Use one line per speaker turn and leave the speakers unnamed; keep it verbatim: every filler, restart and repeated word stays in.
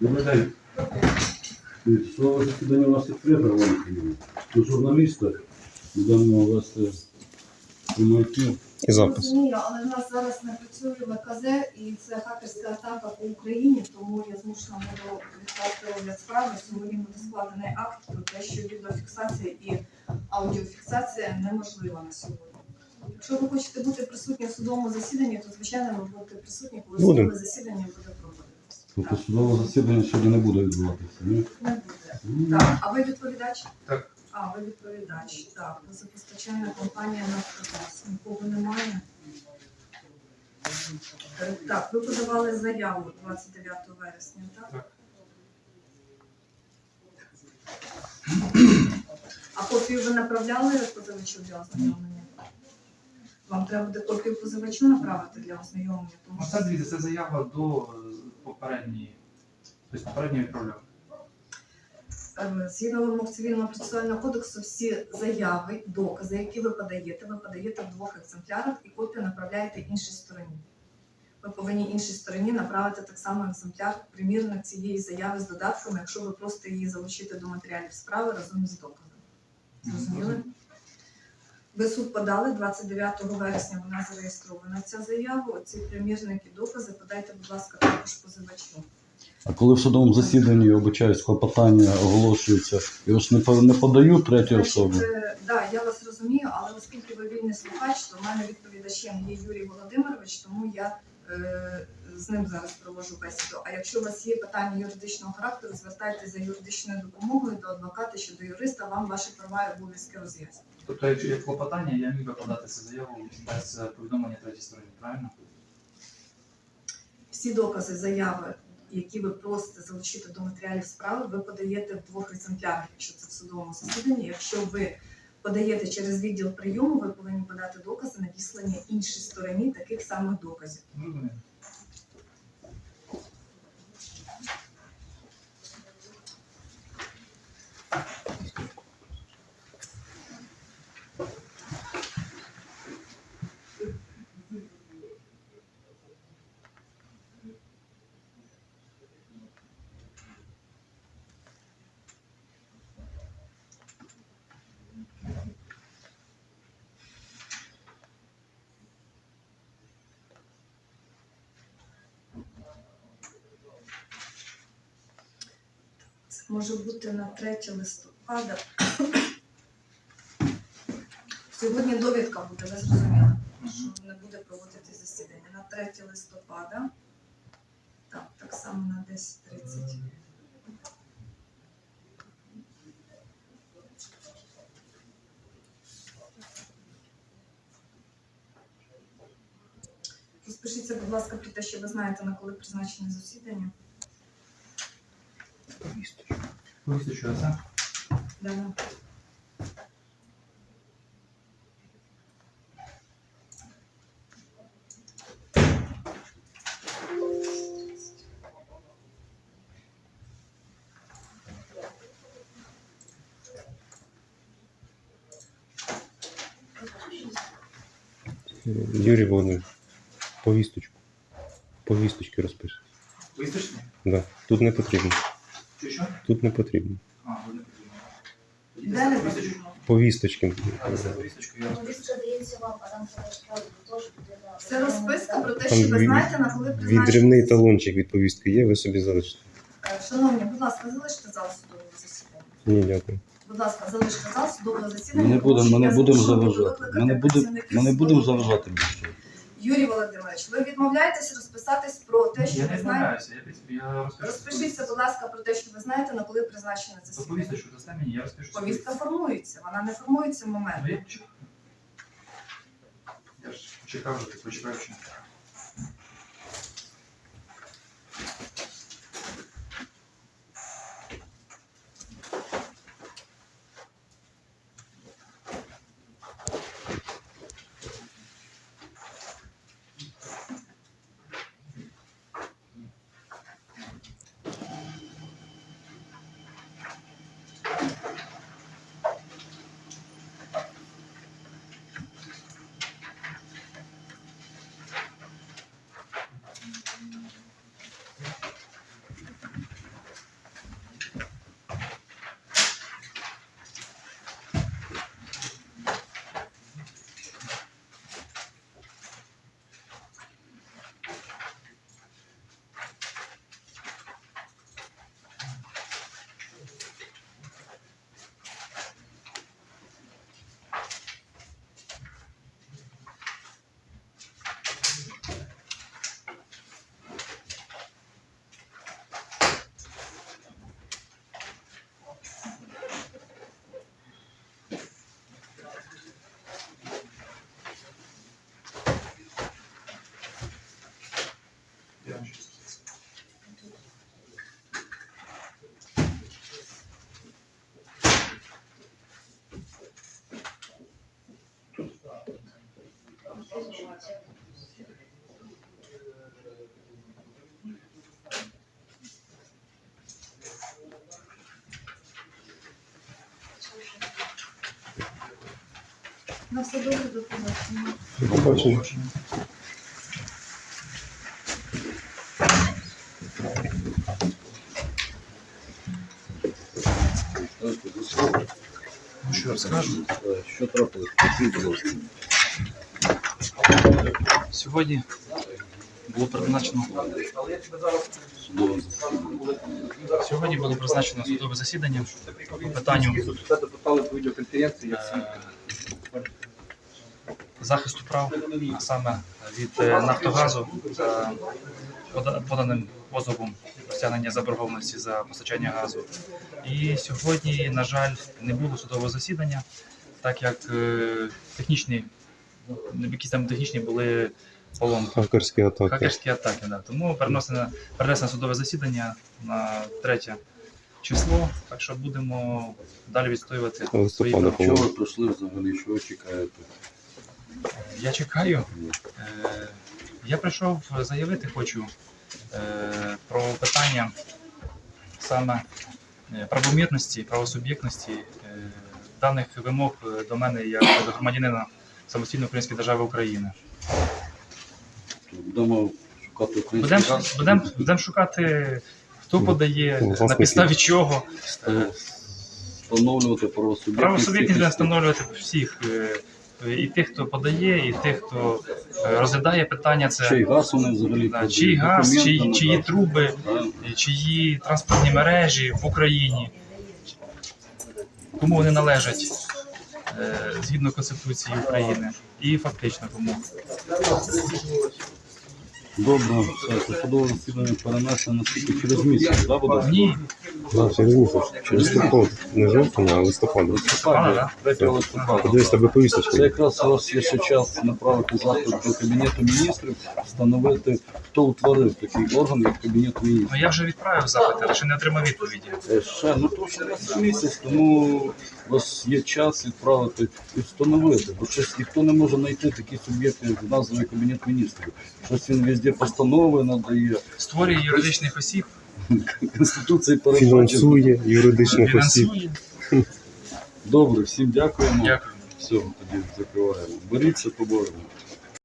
Добрий день. Слово засідання у нас відкрите, Роман. До журналіста будемо вести прямий
і запис.
Розумію, але в нас зараз не працює ВКЗ і це хакерська атака по Україні, тому я змушена буду відкласти розгляд справи. Сьогодні буде складений акт про те, що відеофіксація і аудіофіксація неможлива на сьогодні. Якщо ви хочете бути присутні в судовому засіданні, то звичайно ви будете присутні, коли
Будем.
судове засідання буде проводитися.
Тобто судове засідання сьогодні не буде відбуватися, ні?
Не буде. Так, а ви відповідач?
Так.
А, ви відповідач. Так, газопостачальна компанія «Нафтогаз». Нікого немає. Е, Так, ви подавали заяву двадцять дев'ятого вересня, так?
Так.
А копію ви направляли позивачу для ознайомлення? Вам треба буде копію позивачу направити для ознайомлення? Тому що...
Оце, дивіться, це заява до е, попередньої, тобто попередньої відправляв.
Е, Згідно вимог Цивільного процесуального кодексу, всі заяви, докази, які ви подаєте, ви подаєте в двох екземплярах і копію направляєте іншій стороні. Ви повинні іншій стороні направити так само екземпляр, примірник цієї заяви з додатками, якщо ви просто її залучите до матеріалів справи разом з доказом. Зрозуміли? Ви суд подали, двадцять дев'ятого вересня вона зареєстрована ця заява. Оці примірники, докази подайте, будь ласка, також позивачу.
А коли в судовому засіданні, я обичаюсь, клопотання оголошується, його ж не по- не подають третій особі?
Так, да, я вас розумію, але оскільки ви вільний слухач, то в мене відповідачем є Юрій Володимирович, тому я е, з ним зараз проводжу бесіду. А якщо у вас є питання юридичного характеру, звертайтеся за юридичною допомогою до адвоката чи до юриста, вам ваші права і обов'язки роз'яснять.
Тобто, якщо є клопотання, я міг би подати цю заяву без е, повідомлення третій стороні, правильно?
Всі докази, заяви, які ви просите залучити до матеріалів справи, ви подаєте в двох екземплярах, якщо це в судовому засіданні. Якщо ви подаєте через відділ прийому, ви повинні подати докази, надіслані іншій стороні таких самих доказів.
Розумію.
Це може бути на третє листопада. Сьогодні довідка буде, ви зрозуміли, що не буде проводити засідання. На третє листопада, так, так само на десять тридцять. Розпишіться, будь ласка, про те, що ви знаєте, на коли призначене засідання.
Повісточку, це?
Да, да.
Юрій Володимирович, повісточку. Повісточки розпишіть.
Повісточні?
Да. Тут не потрібно.
Чи що?
Тут не потрібно.
А, ви не потрібно. Тоді
Де не
це повісточку.
потрібно?
Повісточки.
А, це повісточку я розпишу.
Повістка дається вам, а там фотографія теж буде на...
Це розписка про те,
Там
що ви
від-
знаєте, на коли призначене
Відривний
засідання.
талончик від повістки є, ви собі залишите.
Е, Шановні, будь ласка, залиште зал судового засідання.
Ні, дякую.
Будь ласка, залиште зал судового засідання.
Ми не будемо, ми
тому
не
що
будемо
я змушена буду
заважати.
викликати
Ми не будемо,
працівників
ми не будемо
судового.
заважати більше.
Юрій Володимирович, ви відмовляєтесь розписатись про те, що
Я
ви
не
знаєте.
відмовляюся, я, під- я розпишу.
Розпишіться, будь ласка, про те, що ви знаєте, на коли призначене
То
засідання.
повісточку дасте мені, я розпишу.
Повістка формується, вона не формується в момент.
Ну, я почекаю. Я ж почекав вже, ти почекав ще.
На все добре, до побачення.
До побачення.
Що розкажу?
Що трапилось? Покажіть, будь ласка.
Сьогодні було призначено
Судове засідання.
сьогодні було призначено судове засідання по питанню е, захисту прав, а саме від е, Нафтогазу за пода- поданим позовом про стягнення заборгованості за постачання газу. І сьогодні, на жаль, не було судового засідання, так як е, технічні, якісь там технічні були поломки.
Хакерські атаки.
Хакерські атаки, да. Тому перенесено, перенесено судове засідання на третє число, так що будемо далі відстоювати свої
Листопада,
права.
Що ви пройшли взагалі? Що ви чекаєте?
Я чекаю. Е, я прийшов заявити хочу е, про питання саме е, правомірності, правосуб'єктності е, даних вимог е, до мене як до громадянина самостійної української держави України.
Будемо шукати український
Будемо
газ?
будем, будем шукати, хто подає,
Власники.
на підставі чого.
Е, Встановлювати правосуб'єктність.
Правосуб'єктність будемо встановлювати всіх. е, І тих, хто подає, і тих, хто е, розглядає питання,
Чий
це
газ вони взагалі
да,
продають?
чий газ,
Документи
чиї,
на
чиї
газ?
труби,
Да.
і чиї транспортні мережі в Україні, кому вони належать е, згідно Конституції України і фактично кому.
Добре, все, це судове засідання перенесено наскільки через місяць, да, буде?
Ні,
Да, через місяць. Листопад. Не жовтня, а листопада.
Листопада,
да?
третього листопада.
Подивись, тебе
Це
повісточка.
якраз у вас є ще час направити запит до Кабінету міністрів, встановити, хто утворив такий орган, як Кабінет міністрів.
ну я вже відправив запит, але ще не отримав відповіді.
Е, Ще, ну то ще раз в місяць, тому у вас є час відправити і встановити, бо щось ніхто не може знайти такі суб'єкти, як названий Кабінет міністрів. Щось він везде постанови надає,
Створює юридичних осіб,
Конституції передбачено.
Фінансує юридичних осіб.
фінансує.
Добре, всім дякуємо.
Дякую.
Все, тоді закриваємо. Боріться, поборемо.